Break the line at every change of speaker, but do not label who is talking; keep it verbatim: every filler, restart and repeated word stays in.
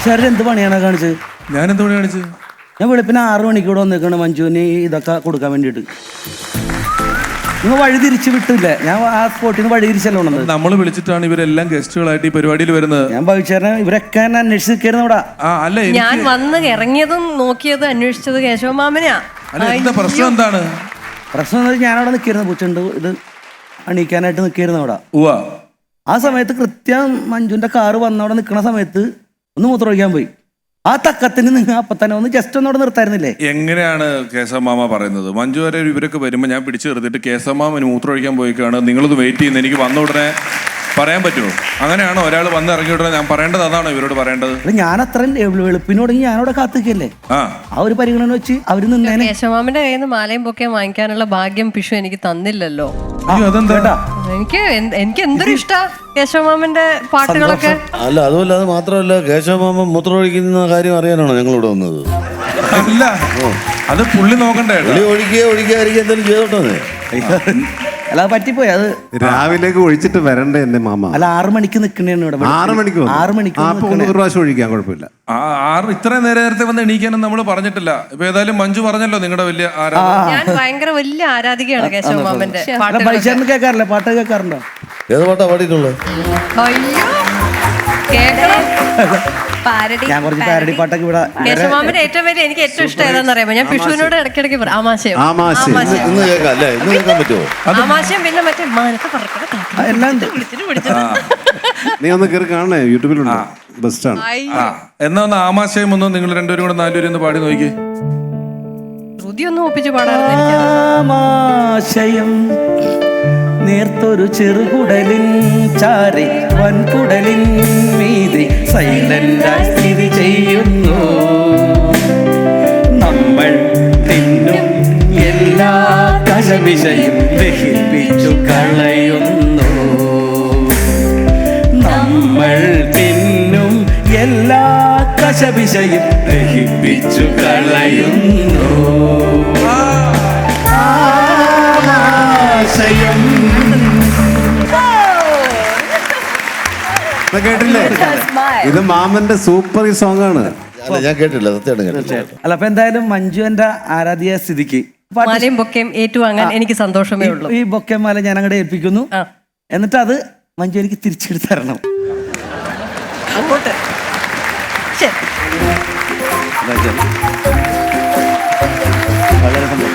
സാറിന് എന്ത് പണിയാണ് കാണിച്ചത്?
ഞാൻ എന്ത് പണി കാണിച്ചത്?
ഞാൻ വെളുപ്പിന് ആറു മണിക്കൂടെ വന്നിരിക്കണം മഞ്ജുവിന് ഇതൊക്കെ കൊടുക്കാൻ വേണ്ടിയിട്ട്. നിങ്ങൾ വഴി തിരിച്ചു വിട്ടില്ല, ഞാൻ ആ സ്പോട്ടിൽ നിന്ന് വഴി തിരിച്ചല്ലോ ഉള്ളത്.
നമ്മൾ വിളിച്ചിട്ടാണ് ഇവരെല്ലാം ഗസ്റ്റുകളായിട്ട് ഈ പരിപാടിയിൽ വരുന്നത്.
ഞാൻ ഭവിച്ചേരനെ ഇവരൊക്കെ അന്വേഷിച്ച് നിൽക്കായിരുന്നു ഇവിടെ.
ആ അല്ല,
ഞാൻ വന്ന് ഇറങ്ങിയതും നോക്കിയതും അന്വേഷിച്ചത് കേശവ മാമനാ.
അല്ല എന്താ പ്രശ്നം? എന്താണ്
പ്രശ്നം എന്ന് വെച്ചാൽ ഞാനവിടെ നിൽക്കായിരുന്നു, പൂച്ചുണ്ട് ഇത് അണിയിക്കാനായിട്ട് നിൽക്കായിരുന്നു അവിടെ.
ഉവ്വ.
ആ സമയത്ത് കൃത്യം മഞ്ജുവിന്റെ കാറ് വന്നവിടെ നിൽക്കുന്ന സമയത്ത് ഒന്ന് മൂത്രമൊഴിക്കാൻ പോയി. ആ തക്കത്തിന് നിങ്ങൾ അപ്പൊ തന്നെ ഒന്ന് ജസ്റ്റ് ഒന്നോടെ നിർത്തായിരുന്നില്ലേ?
എങ്ങനെയാണ് കേശവമാമ പറയുന്നത്? മഞ്ജു വരെ ഇവരൊക്കെ വരുമ്പോൾ ഞാൻ പിടിച്ചു നിർത്തിയിട്ട് കേശവമാമന് മൂത്രമൊഴിക്കാൻ പോയിക്കാണ്, നിങ്ങളത് വെയിറ്റ് ചെയ്യുന്നത്, എനിക്ക് വന്ന ഉടനെ പറയാൻ പറ്റുമോ? അങ്ങനെയാണോ ഒരാൾ വന്ന് ഇറങ്ങി ഉടനെ ഞാൻ പറയേണ്ടത്? അതാണോ ഇവരോട് പറയേണ്ടത്?
ഞാൻ അത്രയും വെളുപ്പിനോടെങ്കിൽ ഞാനവിടെ കാത്തിക്കല്ലേ.
ആ
ആ ഒരു പരിഗണന വെച്ച് അവര് നിന്നേനെ.
കേശവമാമന്റെ കയ്യിൽ നിന്ന് മാലയും പൊക്കയും വാങ്ങിക്കാനുള്ള ഭാഗ്യം പിഷു എനിക്ക് തന്നില്ലല്ലോ.
അതെന്താ?
എനിക്ക് എനിക്ക് എന്തൊരു ഇഷ്ടാ കേശവമാമന്റെ പാട്ടുകളൊക്കെ.
അല്ല അതുമല്ല, അത് മാത്രമല്ല, കേശവമാമൻ മൂത്രമൊഴിക്കുന്ന കാര്യം അറിയാനാണോ ഞങ്ങളിവിടെ വന്നത്?
അല്ല, അത് പുള്ളി നോക്കണ്ടേ?
പുള്ളി ഒഴിക്കുക ഒഴിക്കാതിരിക്കുക എന്തെങ്കിലും ചെയ്തോട്ടെ.
അല്ല പറ്റിപ്പോയി. അത്
രാവിലേക്ക് ഒഴിച്ചിട്ട് വരണ്ടേ എന്റെ മാമ?
അല്ല ആറു മണിക്ക് നിൽക്കണേന്ന് ഇവിടെ.
ആറ് മണിക്ക്
ആറു മണിക്ക്
ഒരു പ്രാവശ്യം ഒഴിക്കാൻ കുഴപ്പമില്ല.
ആ ആറ് ഇത്രയും നേരെ നേരത്തെ വന്ന് എണീക്കാനും നമ്മൾ പറഞ്ഞിട്ടില്ല. ഇപ്പൊ ഏതായാലും മഞ്ജു പറഞ്ഞല്ലോ നിങ്ങളുടെ വലിയ ആരാധന.
ഞാൻ ഭയങ്കര വലിയ ആരാധികയാണ് കേശവമാമന്റെ പാട്ടുകൾ.
പൈസ കേൾക്കാറില്ല, പാട്ട് കേൾക്കാറുണ്ടോ?
ഏത് പാട്ടാ പാടിയിട്ടുള്ളത്?
അയ്യോ കേക്കണം.
ഞാൻ കുറച്ച് പാരഡി പാട്ടൊക്കെ ഇവിടെ.
കേശവമാമന്റെ ഏറ്റവും വലിയ എനിക്ക് ഏറ്റവും ഇഷ്ടം ഏതാന്ന് അറിയാമോ? ഞാൻ പിഷുവിനോട് ഇടയ്ക്കിടയ്ക്ക് പറയും ആമാശയം.
ആമാശയം ഇന്ന് കേൾക്കാം അല്ലേ? ഇന്ന് കേൾക്കാൻ പറ്റുമോ?
ആമാശയം പിന്നെ മറ്റേ മാനത്തെ പറക്കണ
എല്ലാം ഉണ്ട്.
വിളിച്ചിട്ട് വിളിച്ചിട്ട്
നീ ഒന്ന് കയറി കാണണേ, യൂട്യൂബിലുണ്ട്, ബെസ്റ്റാണ്.
ആ എന്നാ ഒന്ന് ആമാശയം ഒന്ന് നിങ്ങൾ രണ്ടുപേരും കൂടെ നാലുപേരും ഒന്ന് പാടി നോക്കി.
ശ്രുതി ഒന്നും ഒപ്പിച്ച് പാടാറുണ്ട്.
ആമാശയം നേർത്തൊരു ചെറുകുടലിൻ ചാരി വൻകുടലിൻ മീതി സൈലന്റായി സ്ഥിതി ചെയ്യുന്നു. നമ്മൾ തിന്നും എല്ലാ കശപിശയും ദഹിപ്പിച്ചു കളയുന്നു. നമ്മൾ തിന്നും എല്ലാ കശപിശയും ദഹിപ്പിച്ചു കളയുന്നു. ആമാശയം.
കേട്ടില്ലേ? ഇത് മാമന്റെ സൂപ്പർ ഈ സോങ് ആണ്.
അല്ല ഞാൻ കേട്ടില്ല, സത്യമായിട്ട് കേട്ടില്ല.
അല്ല അപ്പൊ എന്തായാലും മഞ്ജു എന്റെ ആരാധ്യ സ്ഥിതിക്ക്
മാലയും ബൊക്കയും ഏറ്റുവാങ്ങാൻ എനിക്ക് സന്തോഷമേ ഉള്ളൂ.
ഈ ബൊക്കമാല ഞാൻ അങ്ങോട്ട് ഏൽപ്പിക്കുന്നു. എന്നിട്ട് അത് മഞ്ജു എനിക്ക് തിരിച്ചെടുത്ത് തരണം.
അങ്ങോട്ട്
വളരെ സന്തോഷം.